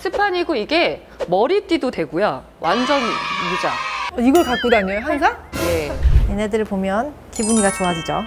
스판이고 이게 머리띠도 되고요. 완전 무자. 이걸 갖고 다녀요, 항상? 예. 얘네들을 보면 기분이가 좋아지죠.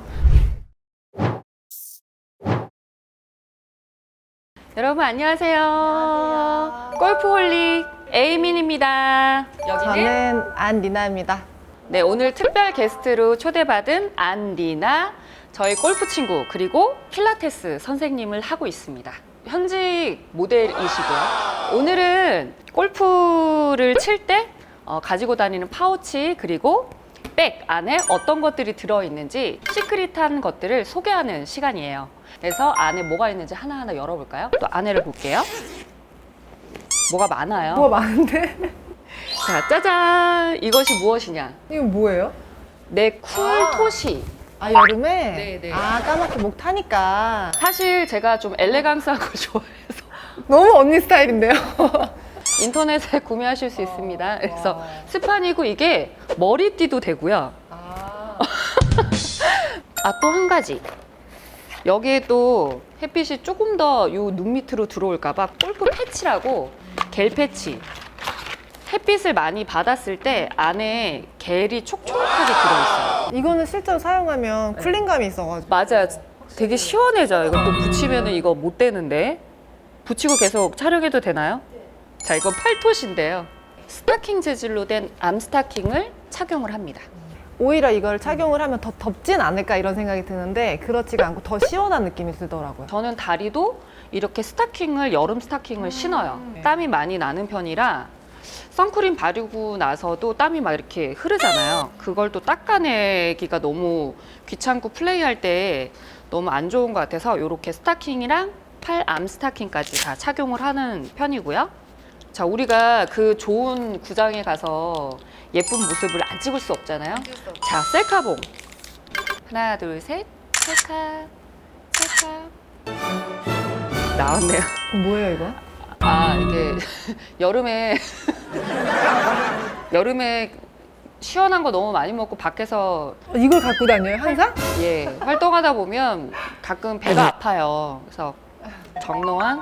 여러분 안녕하세요. 골프홀릭 에이민입니다. 여기는 저는 안리나입니다. 네, 오늘 특별 게스트로 초대받은 안리나, 저희 골프 친구 그리고 필라테스 선생님을 하고 있습니다. 현직 모델이시고요. 오늘은 골프를 칠 때 가지고 다니는 파우치 그리고 백 안에 어떤 것들이 들어있는지 시크릿한 것들을 소개하는 시간이에요. 그래서 안에 뭐가 있는지 하나하나 열어볼까요? 또 안에를 볼게요. 뭐가 많아요. 뭐가 많은데? 자, 짜잔! 이것이 무엇이냐? 이건 뭐예요? 내 쿨토시. 아, 여름에? 네네. 아, 까맣게 목 타니까. 사실 제가 좀 엘레강스한 거 좋아해서 너무 언니 스타일인데요? 인터넷에 구매하실 수 있습니다. 그래서 와. 스판이고 이게 머리띠도 되고요. 아. 또 한 가지. 여기에 또 햇빛이 조금 더 요 눈 밑으로 들어올까봐 골프 패치라고 겔 패치. 햇빛을 많이 받았을 때 안에 겔이 촉촉하게 들어있어요. 이거는 실제로 사용하면 쿨링감이 있어가지고. 맞아요. 되게 시원해져요. 이거 또 붙이면은 이거 못 되는데. 붙이고 계속 촬영해도 되나요? 자, 이건 팔토시인데요. 스타킹 재질로 된 암 스타킹을 착용을 합니다. 오히려 이걸 착용을 하면 더 덥진 않을까 이런 생각이 드는데 그렇지가 않고 더 시원한 느낌이 들더라고요. 저는 다리도 이렇게 스타킹을, 여름 스타킹을 신어요. 땀이 많이 나는 편이라 선크림 바르고 나서도 땀이 막 이렇게 흐르잖아요. 그걸 또 닦아내기가 너무 귀찮고 플레이할 때 너무 안 좋은 것 같아서 이렇게 스타킹이랑 팔 암 스타킹까지 다 착용을 하는 편이고요. 자, 우리가 그 좋은 구장에 가서 예쁜 모습을 안 찍을 수 없잖아요. 자, 셀카봉. 하나, 둘, 셋. 셀카, 셀카. 나왔네요. 뭐예요 이거? 이게 여름에 시원한 거 너무 많이 먹고 밖에서 이걸 갖고 다녀요 항상? 활동하다 보면 가끔 배가 아파요. 그래서 정로한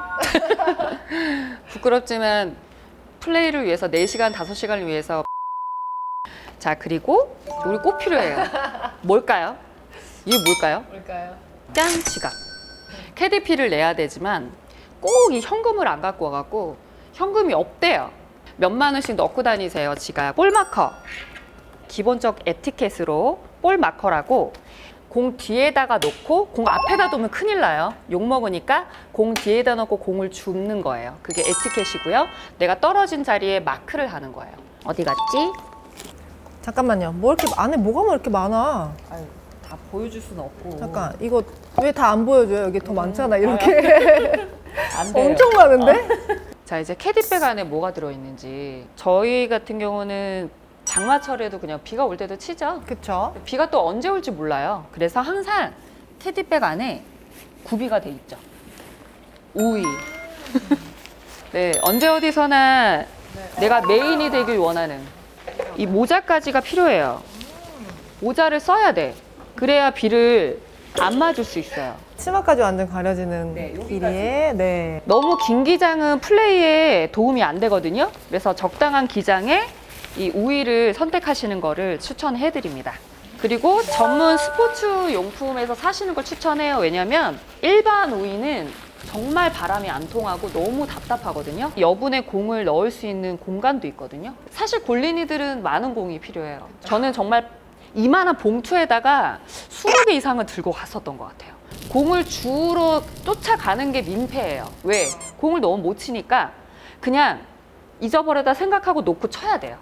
부끄럽지만 플레이를 위해서 4시간, 5시간을 위해서. 자, 그리고 우리 꼭 필요해요. 뭘까요? 이게 뭘까요? 뭘까요? 짠! 지갑. 캐디피를 내야 되지만 꼭 이 현금을 안 갖고 와갖고 현금이 없대요. 몇만 원씩 넣고 다니세요, 지갑. 볼마커. 기본적 에티켓으로 볼마커라고 공 뒤에다가 놓고 공 앞에다 두면 큰일 나요. 욕 먹으니까 공 뒤에다 놓고 공을 줍는 거예요. 그게 에티켓이고요. 내가 떨어진 자리에 마크를 하는 거예요. 어디 갔지? 잠깐만요. 뭐 이렇게 안에 뭐가 이렇게 많아? 아유, 다 보여줄 수는 없고. 잠깐 이거 왜 다 안 보여줘요? 여기 더 많잖아 이렇게. 안 돼요. 엄청 많은데? 자, 이제 캐디백 안에 뭐가 들어있는지. 저희 같은 경우는 장마철에도 그냥 비가 올 때도 치죠. 그쵸? 비가 또 언제 올지 몰라요. 그래서 항상 캐디백 안에 구비가 돼 있죠. 우위. 네, 언제 어디서나 내가 메인이 되길 원하는 이 모자까지가 필요해요. 모자를 써야 돼. 그래야 비를 안 맞을 수 있어요. 치마까지 완전 가려지는 네, 여기까지. 길이에 네. 너무 긴 기장은 플레이에 도움이 안 되거든요. 그래서 적당한 기장에 이 우위를 선택하시는 거를 추천해 드립니다. 그리고 전문 스포츠 용품에서 사시는 걸 추천해요. 왜냐면 일반 우위는 정말 바람이 안 통하고 너무 답답하거든요. 여분의 공을 넣을 수 있는 공간도 있거든요. 사실 골린이들은 많은 공이 필요해요. 저는 정말 이만한 봉투에다가 20개 이상을 들고 갔었던 것 같아요. 공을 주로 쫓아가는 게 민폐예요. 왜? 공을 너무 못 치니까 그냥 잊어버려다 생각하고 놓고 쳐야 돼요.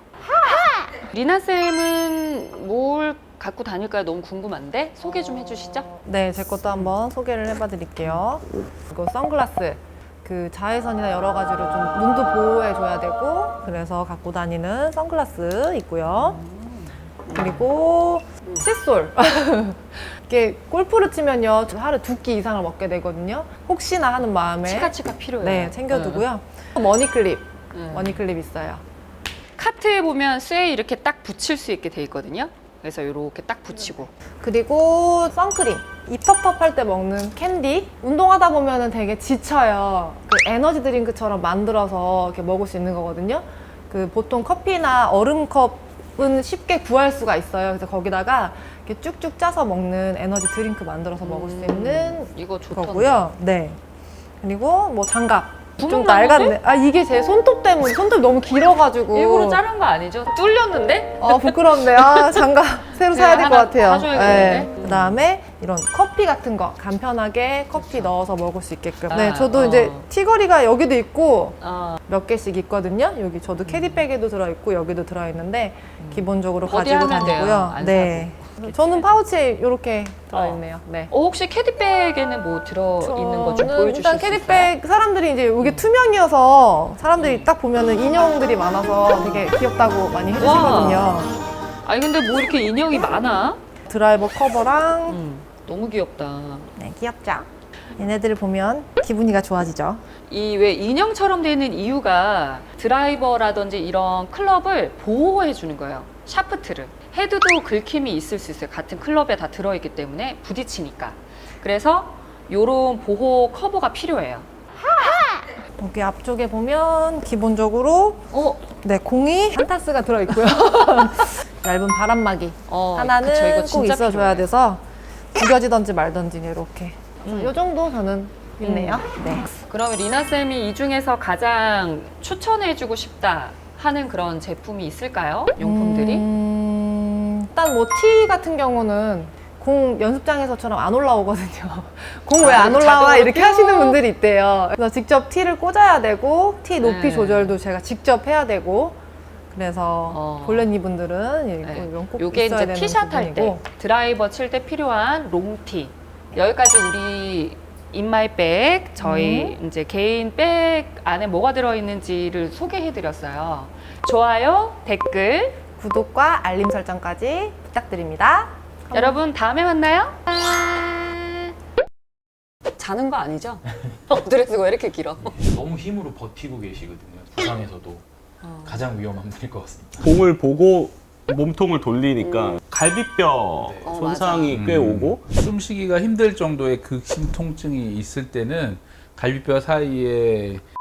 리나쌤은 뭘 갖고 다닐까요? 너무 궁금한데 소개 좀 해주시죠. 네, 제 것도 한번 소개를 해봐 드릴게요. 이거 선글라스. 그 자외선이나 여러 가지로 좀 눈도 보호해 줘야 되고 그래서 갖고 다니는 선글라스 있고요. 그리고 칫솔. 이게 골프를 치면요 하루 2끼 이상을 먹게 되거든요. 혹시나 하는 마음에 치카치카 필요해요. 네, 챙겨두고요. 머니클립. 머니클립 있어요. 카트에 보면 쇠에 이렇게 딱 붙일 수 있게 돼 있거든요. 그래서 이렇게 딱 붙이고. 그리고 선크림. 입 텁텁할 때 먹는 캔디. 운동하다 보면은 되게 지쳐요. 그 에너지 드링크처럼 만들어서 이렇게 먹을 수 있는 거거든요. 그 보통 커피나 얼음컵은 쉽게 구할 수가 있어요. 그래서 거기다가 이렇게 쭉쭉 짜서 먹는 에너지 드링크 만들어서 먹을 수 있는 이거 좋던데. 거고요. 네. 그리고 뭐 장갑. 좀 구멍 낡았네. 아, 이게 제 손톱 때문에 손톱이 너무 길어가지고. 일부러 자른 거 아니죠? 뚫렸는데? 부끄럽네. 아, 장갑 새로 사야 될 것 하나 같아요. 사줘야겠는데? 그다음에 이런 커피 같은 거 간편하게 커피 넣어서 먹을 수 있게끔. 네, 아, 저도 이제 티거리가 여기도 있고 어. 몇 개씩 있거든요. 여기 저도 캐디백에도 들어있고 여기도 들어있는데 기본적으로 어디 가지고 하면 돼요, 다니고요. 안 네. 저는 파우치에 이렇게 들어있네요. 네. 혹시 캐디백에는 뭐 들어있는 거 좀 저는 보여주실 일단 수 있어요? 캐디백 사람들이 이제 이게 투명이어서 사람들이 딱 보면은 인형들이 많아서 되게 귀엽다고 많이 해주시거든요. 아니 근데 뭐 이렇게 인형이 많아? 드라이버 커버랑 너무 귀엽다. 네, 귀엽죠? 얘네들을 보면 기분이가 좋아지죠. 이 왜 인형처럼 되는 이유가 드라이버라든지 이런 클럽을 보호해 주는 거예요. 샤프트를. 헤드도 긁힘이 있을 수 있어요. 같은 클럽에 다 들어있기 때문에 부딪히니까. 그래서 요런 보호 커버가 필요해요. 여기 앞쪽에 보면 기본적으로 네, 공이 한타스가 들어있고요. 얇은 바람막이 하나는 그쵸, 이거 꼭 진짜 있어줘야 필요해요. 돼서 구겨지던지 말던지 이렇게. 요 정도 저는 있네요. 네. 그러면 리나쌤이 이 중에서 가장 추천해주고 싶다 하는 그런 제품이 있을까요? 용품들이? 일단 뭐 티 같은 경우는 공 연습장에서처럼 안 올라오거든요. 공 왜 안 올라와? 자동으로 이렇게 뿅. 하시는 분들이 있대요. 그래서 직접 티를 꽂아야 되고 티 높이 네. 조절도 제가 직접 해야 되고 그래서 볼렌이 분들은 네. 이건 꼭 요게 있어야 이제 되는 티샷 할 때, 부분이고. 드라이버 칠 때 필요한 롱티. 여기까지 우리 인마이백, 저희 이제 개인 백 안에 뭐가 들어있는지를 소개해드렸어요. 좋아요, 댓글. 구독과 알림 설정까지 부탁드립니다. 여러분 다음에 만나요. 자는 거 아니죠? 엎드려서 왜 이렇게 길어? 너무 힘으로 버티고 계시거든요. 부상에서도 가장 위험한 분일 것 같습니다. 공을 보고 몸통을 돌리니까 갈비뼈 네. 손상이 꽤 오고 숨쉬기가 힘들 정도의 극심 통증이 있을 때는 갈비뼈 사이에